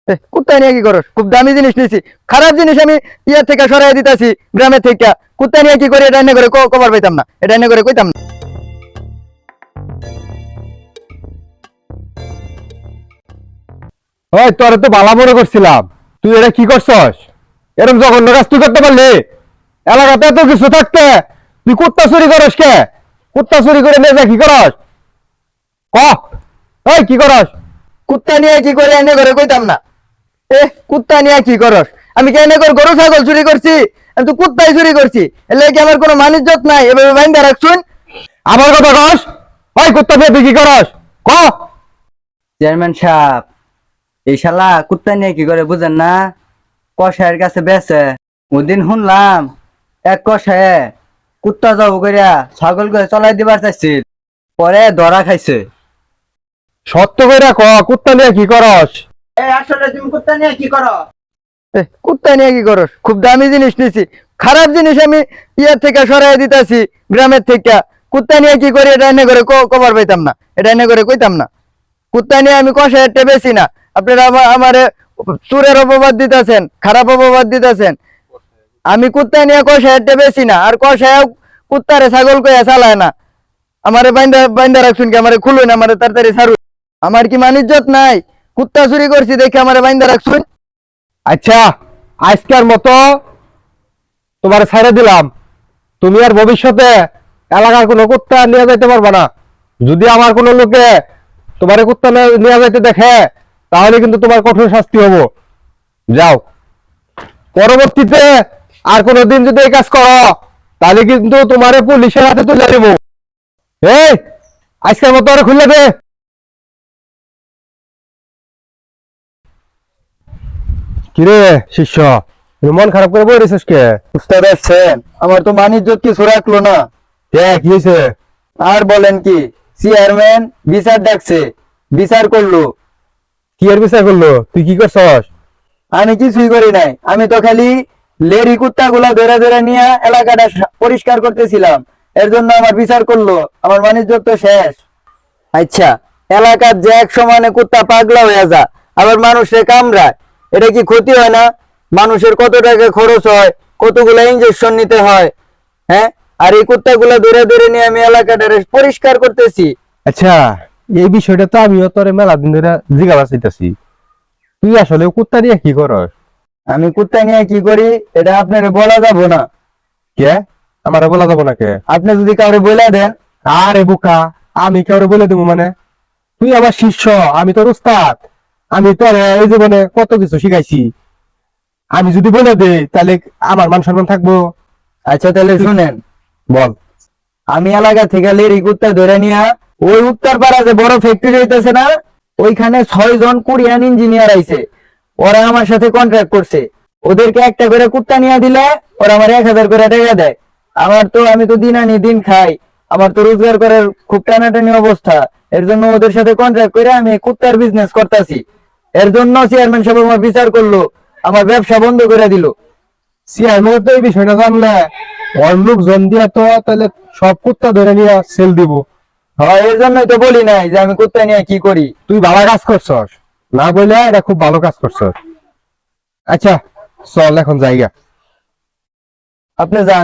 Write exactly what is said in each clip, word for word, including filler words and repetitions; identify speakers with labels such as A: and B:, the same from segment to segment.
A: কুত্তা নিয়ে কি করস? খুব দামি জিনিস নিছি, খারাপ জিনিস আমি ইয়ার থেকে সরাই দিতেছি গ্রামের থেকে। কুত্তা নিয়ে কি করি এটা এনে করে কবার পাইতাম না, এটা এনে করে কইতাম না।
B: ওই তোরে তো ভালো মনে করছিলাম, তুই এটা কি করছস? এরকম জঘন্য কাজ তুই করতে পারলি? এলাকাতে এত কিছু থাকতে তুই কুত্তা চুরি করস কে? কুত্তা চুরি করে নিয়ে যা কি করস? ক ওই কি করস?
A: কুত্তা নিয়ে কি করে এনে করে কইতাম না। এ কুত্তা নিয়ে কি করস? আমি কি এনে করে গরু ছাগল চুরি করছি? আমি তো কুত্তাই চুরি করছি। এলে কি আমার কোনো মানিজ্যত নাই? এভাবে বাইন্দা রাখছুন।
B: আমার কথা কস? ওই কুত্তা নিয়ে তুই কি করস? ক
C: চেয়ারম্যান সাহেব, এই শালা কুত্তা নিয়ে কি করে বুঝেন না? কষায়ের কাছে বেছে ওদিন শুনলাম এক কষায়ে কুত্তা যাবো করিয়া ছাগল করে চলাই দিবার চাইছিল, পরে ধরা খাইছে।
B: সত্য কইরা ক কুত্তা নিয়ে কি করস?
C: আসলে তুমি কুত্তা নিয়ে কি করো?
A: এ কুত্তা নিয়ে কি করস? খুব দামি জিনিস নিছি, খারাপ জিনিস আমি ইয়ার থেকে সরাই দিতেছি গ্রামের থেকে। কুত্তা নিয়ে কি করি এটা এনে করে কবার পাইতাম না, এটা এনে করে কইতাম না। কুত্তা নিয়ে আমি কষায় একটা বেশি না। আপনারা আমার চুরের অপবাদ দিতেছেন, খারাপ অপবাদ দিতেছেন। আমি কুত্তা নিয়ে কষায় একটা বেশি না, আর কষায় কুত্তারে ছাগল কইয়া চালায় না। আমারে বাইন্দা বাইন্দা রাখছুন কি? আমারে খুলুন, আমারে তাড়াতাড়ি ছাড়ুন। আমার কি মানিজ্যত নাই? কুত্তা চুরি করছি দেখে আমারে বাইন্দা রাখছুন।
B: আচ্ছা, আজকের মতো তোমার ছেড়ে দিলাম। তুমি আর ভবিষ্যতে এলাকার কোনো কুত্তা নিয়ে যাইতে পারবে না। যদি আমার কোনো লোকে তোমার কুত্তা নিয়ে যাইতে দেখে তাহলে কিন্তু তোমার কঠোর শাস্তি হবো। যাও, পরবর্তীতে আর কোনোদিন যদি এই কাজ করো তাহলে কিন্তু তোমার পুলিশের হাতে তুলে দেব। এই আজকের মতো আর খুলে দে। কিরে শিষ্য, মন খারাপ করে বই রেছিস কে?
A: উস্তাদ আসছেন, আমার তো মানিজ্যত কিছু রাখলো না।
B: কে কি হয়েছে?
A: আর বলেন কি, চেয়ারম্যান বিচার ডাকছে, বিচার করলো।
B: কি এর বিচার করলো? তুই কি করছস?
A: আমি কিছুই করি নাই, আমি তো খালি লেরি কুত্তা গুলা ধরে ধরে নিয়ে এলাকাটা পরিষ্কার করতেছিলাম। এর জন্য আমার বিচার করলো, আমার বাণিজ্য তো শেষ। আচ্ছা, এলাকার যে এক সমানে কুত্তা পাগলা হয়ে যা, আবার মানুষের কামড়ায়, এটা কি ক্ষতি হয় না? মানুষের কত টাকা খরচ হয়, কতগুলো ইঞ্জেকশন নিতে হয়, হ্যাঁ? আর এই কুত্তাগুলা ধরে ধরে নিয়ে আমি এলাকাটা পরিষ্কার করতেছি।
B: আচ্ছা, এই বিষয়টা তো আমিও তোরে মেলা দিন ধরে জিজ্ঞাসা চাইতেছি, তুই আসলে কুত্তা নিয়ে কি করস?
A: আমি কুত্তা নিয়ে কি করি এটা আপনার বলা যাবো না।
B: কে আমার বলা যাবো না কে?
A: আপনি যদি কাউরে বলে দেন।
B: আরে বোকা, আমি কাউরে বলে দেবো মানে? তুই আমার শিষ্য, আমি তোর উস্তাদ। আমি তোর এই জীবনে কত কিছু শিখাইছি। আমি যদি বলে দেই তাহলে আমার মান সম্মান থাকবো?
A: আচ্ছা তাহলে শুনেন,
B: বল।
A: আমি এলাকা থেকে লেরি কুত্তা ধরে নিয়ে ওই উত্তর পাড়া যে বড় ফ্যাক্টরি হইতেছে না, ওইখানে ছয় জন কোরিয়ান ইঞ্জিনিয়ার আইছে। ওরা আমার সাথে কন্ট্রাক্ট করছে, ওদেরকে একটা করে কুত্তা নিয়ে দিলে ওরা আমার এক হাজার করে টাকা দেয়। আমার তো আমি তো দিন আনি দিন খাই, আমার তো রোজগার করার খুব টানাটানি অবস্থা। এর জন্য ওদের সাথে কন্ট্রাক্ট করে আমি কুত্তার বিজনেস করতেছি। এর জন্য চেয়ারম্যান সাহেব আমার বিচার করলো, আমার ব্যবসা বন্ধ করে দিল।
B: চেয়ারম্যান তো এই বিষয়টা জানলে ওর লোকজন দিয়া তো তাহলে সব কুত্তা ধরে নিয়ে সেল দিব।
A: হ্যাঁ, এর জন্যই তো বলি নাই যে আমি কুত্তা নিয়ে কি করি।
B: তুই ভালো কাজ করছস, না বললে এটা খুব ভালো কাজ করছস। আচ্ছা চল এখন জায়গা।
A: আপনি যান।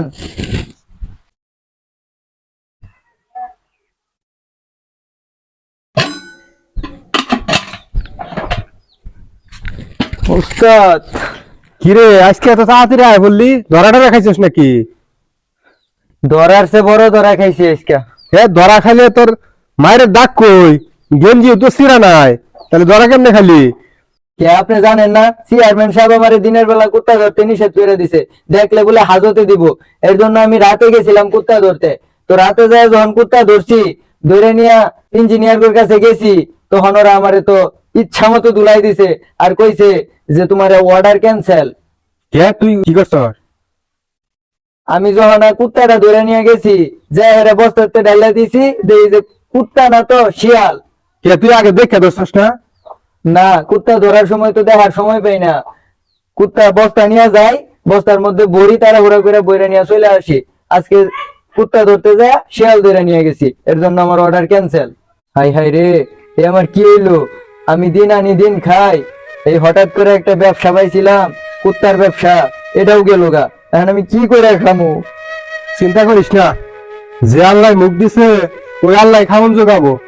A: উস্তাদ,
B: কিরে আজকে এত তাড়াতাড়ি আয় বললি? ধরাটা রাখাইছিস নাকি?
A: ধরার সে বড় ধরা খাইছি আজকে।
B: এ ধরা খাইলে তোর মায়ের ডাক কই? গেঞ্জি তো সিরা নাই, তাহলে ধরা কেমনে খালি?
A: কে আপনি জানেন না, চেয়ারম্যান সাহেব আমারে দিনের বেলা কুত্তা ধরতে নিষেধ করে দিছে, দেখলে বলে হাজতে দিব। এর জন্য আমি রাতে গেছিলাম কুত্তা ধরতে। তো রাতে যায় যখন কুত্তা ধরছি, ধরে নিয়ে ইঞ্জিনিয়ারের কাছে গেছি, তখন ওরা আমারে তো ইচ্ছা মতো দুলাই দিছে আর কইছে যে তোমার অর্ডার ক্যান্সেল।
B: কে তুই কি করছস?
A: আমি যখন আর কুত্তাটা ধরে নিয়ে গেছি, যে এর বস্তাতে ঢাইলা দিছি, দেখি যে কুত্তা না তো শিয়াল।
B: কে তুই আগে দেখে ধরছস না?
A: না, কুত্তা ধরার সময় তো দেখার সময় পাই না। কুত্তা বস্তা নিয়ে যায়, বস্তার মধ্যে বড়ি তাড়াহুড়া করে বইরা নিয়ে চলে আসি। আজকে কুত্তা ধরতে যায় শিয়াল ধরে নিয়ে গেছি, এর জন্য আমার অর্ডার ক্যান্সেল। হাই হাই রে, এ আমার কি হইলো? আমি দিন আনি দিন খাই, এই হঠাৎ করে একটা ব্যবসা পাইছিলাম, কুত্তার ব্যবসা, এটাও গেল গা। এখন আমি কি করে খামু?
B: চিন্তা করিস না, যে আল্লাহ মুখ দিছে ওই আল্লাহ খাওন যোগাবো।